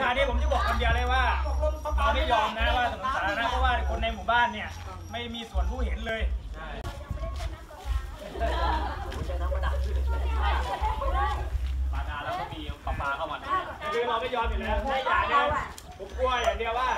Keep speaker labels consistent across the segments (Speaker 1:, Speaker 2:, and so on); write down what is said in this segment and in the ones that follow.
Speaker 1: การนี้ผมจะบอกคำเดียวเลยว่าเราไม่ยอมนะว่าถนนสาธารณะเพราะว่าคนในหมู่บ้านเนี่ยไม่มีส่วนรู้เห็นเลยปานาแล้วก็มีปลาเข้ามาคือเราไม่ยอมอยู่แล้วถ้าอย่างเดียวผมกลัวอย่างเดียวว่า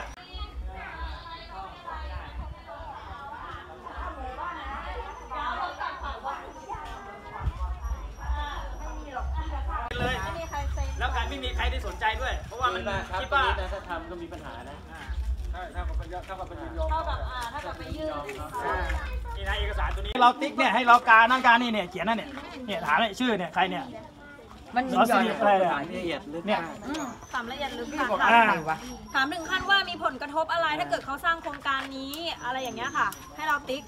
Speaker 1: เลยแล้วการไม่มีใครที่สนใจด้วยเพราะว่ามันคิดว่าถ้าทำก็มีปัญหานะถ้ากับไปยื่นนี่นะเอกสารตัวนี้เราติ๊กเนี่ยให้เราการนั่งการนี่เนี่ยเขียนนั่นเนี่ยถามชื่อเนี่ยใครเนี่ยมันมีอะไรละเอียดลึกเนี่ย
Speaker 2: ถามละเอียดลึกค่ะถามถึงขั้นว่ามีผลกระทบอะไรถ้าเกิดเขาสร้างโครงการนี้อะไรอย่างเงี้ยค่ะให้เราติ๊ก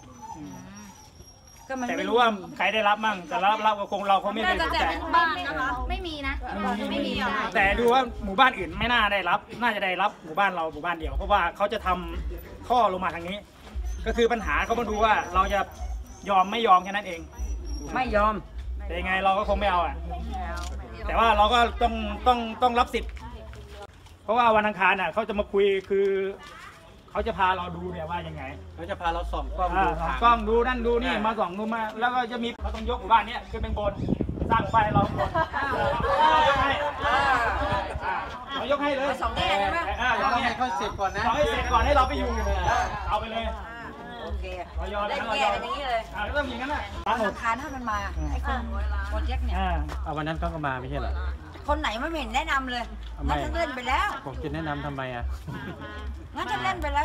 Speaker 1: แต่ไม่รู้ว่าใครได้รับมั่งแต่รับก็คงเราไม่ได้
Speaker 2: สนใจบ้านนะคะไม่มีนะไม่มี
Speaker 1: แต่ดูว่าหมู่บ้านอื่นไม่น่าได้รับน่าจะได้รับหมู่บ้านเราหมู่บ้านเดียวเพราะว่าเขาจะทำท่อลงมาทางนี้ก็คือปัญหาเขามาดูว่าเราจะยอมไม่ยอมแค่นั้นเอง
Speaker 3: ไม่ยอม
Speaker 1: แต่ยังไงเราก็คงไม่เอาแต่ว่าเราก็ต้องรับสิทธิ์เพราะว่าวันอังคารเขาจะมาคุยคือเขาจะพาเราดูเนี่ยว่ายังไงเขาจะพาเราส่องกล้องดูกล้องดูนั่นดูนี่มาส่องดูมาแล้วก็จะมีเขาต้องยกหมู่บ้านนี้ขึ้นเป็นบนสร้างหมู่บ้านเราบนเรายกให้เลย
Speaker 3: สองแง่ใช่ไหม
Speaker 1: เราให้เขาเสร็จก่อนนะให้เสร็จก่อนให้เราไปอยู่เอาไปเลย
Speaker 3: โอเคได้แก้กันอย่างนี้เลย
Speaker 1: ก็ต้องอย่างนั้นน่ะ
Speaker 3: อังคารถ้ามันมาไอ้คนโปรเจกต์เนี่ย
Speaker 1: วันนั้นก็มาไม่ใช่เหรอ
Speaker 3: คนไหนไม่เห็นแนะนำเลยงั้นฉันเล่นไปแล้ว
Speaker 1: ผมจะแนะนำทำไม
Speaker 3: งั้นฉันเล่นไปแล้ว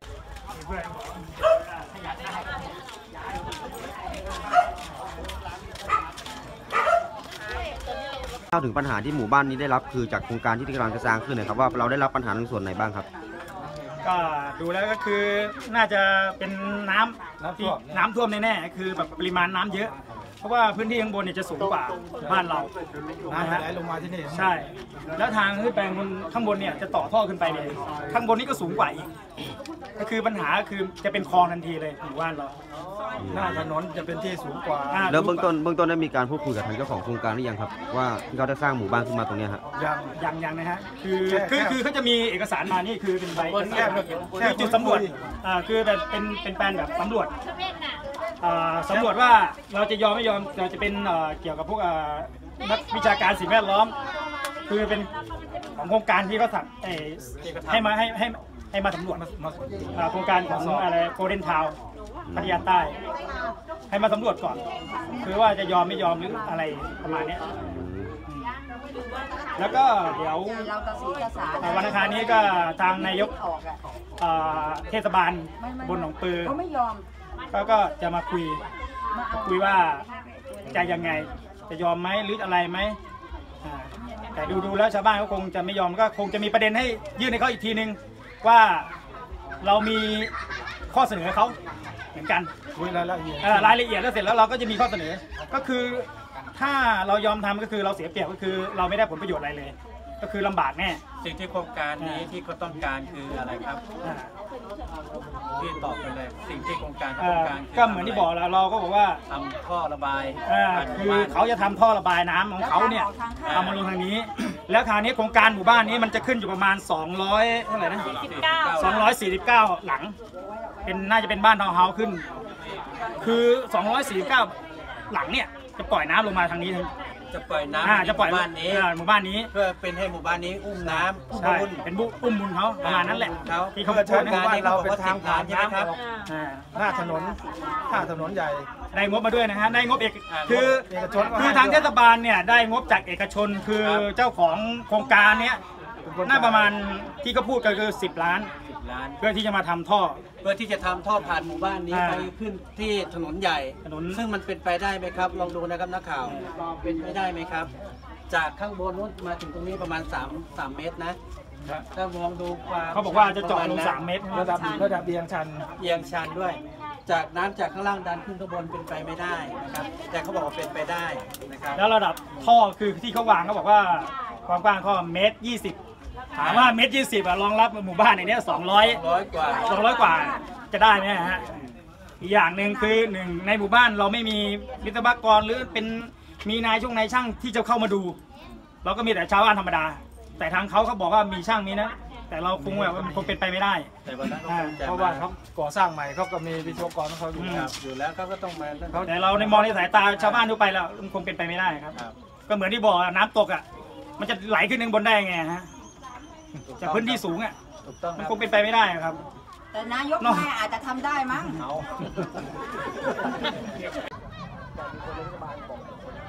Speaker 4: เล่าถึงปัญหาที่หมู่บ้านนี้ได้รับคือจากโครงการที่กำลังจะสร้างขึ้นนะครับว่าเราได้รับปัญหาในส่วนไหนบ้างครับ
Speaker 1: ก็ดูแล้วก็คือน่าจะเป็นน้ำท่วมแน่ๆคือแบบปริมาณน้ำเยอะเพราะว่าพื้นที่ข้างบนเนี่ยจะสูงกว่าบ้านเราน้ำไหลลงมาที่นี่ใช่แล้วทางขึ้นไปข้างบนเนี่ยจะต่อท่อขึ้นไปเลยข้างบนนี้ก็สูงกว่าอีกก็คือปัญหาคือจะเป็นคลองทันทีเลยหมู่บ้านเราหน้าถนนจะเป็นที่สูงกว่า
Speaker 4: แล้วเบื้องต้นได้มีการพูดคุยกับทางเจ้าของโครงการหรือยังครับว่าเขาจะสร้างหมู่บ้านขึ้นมาตรงนี้ฮะ
Speaker 1: ยังนะฮะคือเขาจะมีเอกสารมานี่คือเป็นใบจุดสำรวจคือแบบเป็นแปลนแบบสำรวจว่าเราจะยอมไม่ยอมเราจะเป็นเกี่ยวกับพวกนักวิชาการสิ่งแวดล้อมคือเป็นของโครงการที่เขาสั่งให้มาสำรวจโครงการของอะไรโกลเด้นทาวน์พัทยาใต้ให้มาสำรวจก่อนคือว่าจะยอมไม่ยอมหรืออะไรประมาณนี้แล้วก็เดี๋ยววันอังคารนี้ก็ทางนายกเทศบาลบนหนองปือก็จะมาคุยว่าจะยังไงจะยอมไหมหรืออะไรไหมแต่ดูแล้วชาวบ้านก็คงจะไม่ยอมก็คงจะมีประเด็นให้ยื่นให้เขาอีกทีนึงว่าเรามีข้อเสนอเขาเหมือนกันรายละเอียดแล้วเสร็จแล้วเราก็จะมีข้อเสนอก็คือถ้าเรายอมทำก็คือเราเสียเปรียบก็คือเราไม่ได้ผลประโยชน์อะไรเลยก็คือลำบากแน่
Speaker 5: สิ่งที่โครงการนี้ที่เขาต้องการคืออะไรครับที่ตอบไปเลยสิ่งที่โครงการ
Speaker 1: ก็เหมือนที่บอกแล้วเราก็บอกว่า
Speaker 5: ทำท่อระบาย
Speaker 1: คือเขาจะทำท่อระบายน้ำของเขาเนี่ยทำมาลงทางนี้แล้วคราวนี้โครงการหมู่บ้านนี้มันจะขึ้นอยู่ประมาณ200เท่าไหร่นะ249หลังเป็นน่าจะเป็นบ้านทาวน์เฮาส์ขึ้นคือ249หลังเนี่ยจะปล่อยน้ำลงมาทางนี้
Speaker 5: จะปล่อยน้ำ
Speaker 1: จะปล่อยหมู่บ้านนี้
Speaker 5: เพื่อเป็นให้หมู่บ้านนี้อุ้มน้ำ
Speaker 1: บุญเป็นอุ้มบุญเขาประมาณนั้นแหละ
Speaker 5: ที่เขาใช้การนี้เราเป็นทางผ่านใช่ไหมครับ
Speaker 1: หน้าถนนใหญ่ได้งบมาด้วยนะฮะได้งบคือทางเทศบาลเนี่ยได้งบจากเอกชนคือเจ้าของโครงการเนี้ยน่าประมาณที่เขาพูดก็คือ10 ล้านเพื่อที่จะมาทำท่อ
Speaker 5: เพื่อที่จะทำท่อผ่านหมู่บ้านนี้ไปขึ้นที่ถนนใหญ่ซึ่งมันเป็นไปได้ไหมครับลองดูนะครับนักข่าวเป็นไปได้ไหมครับจากข้างบนนู้นมาถึงตรงนี้ประมาณ3 เมตรนะถ้ามองดูความ
Speaker 1: เขาบอกว่าจะเจาะลง3 เมตรระดับเอียง
Speaker 5: ชันด้วยจากน้ำจากข้างล่างดันขึ้นข้างบนเป็นไปไม่ได้นะครับแต่เขาบอกว่าเป็นไปได้นะครับ
Speaker 1: แล้วระดับท่อคือที่เขาวางเขาบอกว่าความกว้างท่อ1.20 เมตรถามว่า1.20 รองรับหมู่บ้านในนี้200 กว่าจะได้ไหมฮะอีกอย่างหนึ่งคือ1ในหมู่บ้านเราไม่มีวิศวกรหรือเป็นมีนายช่างที่จะเข้ามาดูเราก็มีแต่ชาวบ้านธรรมดาแต่ทางเขาบอกว่ามีช่างมีนะแต่เราคงแบบมันคงเป็นไปไม่ได้
Speaker 5: แต่วันนั้น
Speaker 6: เพราะว่าเขาก่อสร้างใหม่เขาก็มีวิศวกรของเขาอยู่
Speaker 5: อยู่แล้วเขาก็ต้องมา
Speaker 1: แต่เราในมองในสายตาชาวบ้านทั่วไปแล้วมันคงเป็นไปไม่ได้ครับ ก็เหมือนที่บอกน้ำตกอ่ะมันจะไหลขึ้นข้างบนได้ไงฮะจากพื้นที่สูงอ่ะ
Speaker 5: ถูกต้อง
Speaker 1: มันคงเป็นไปไม่ได้ครับ
Speaker 3: แต่นายกแม่อาจจะทำได้มั้ง
Speaker 5: เอา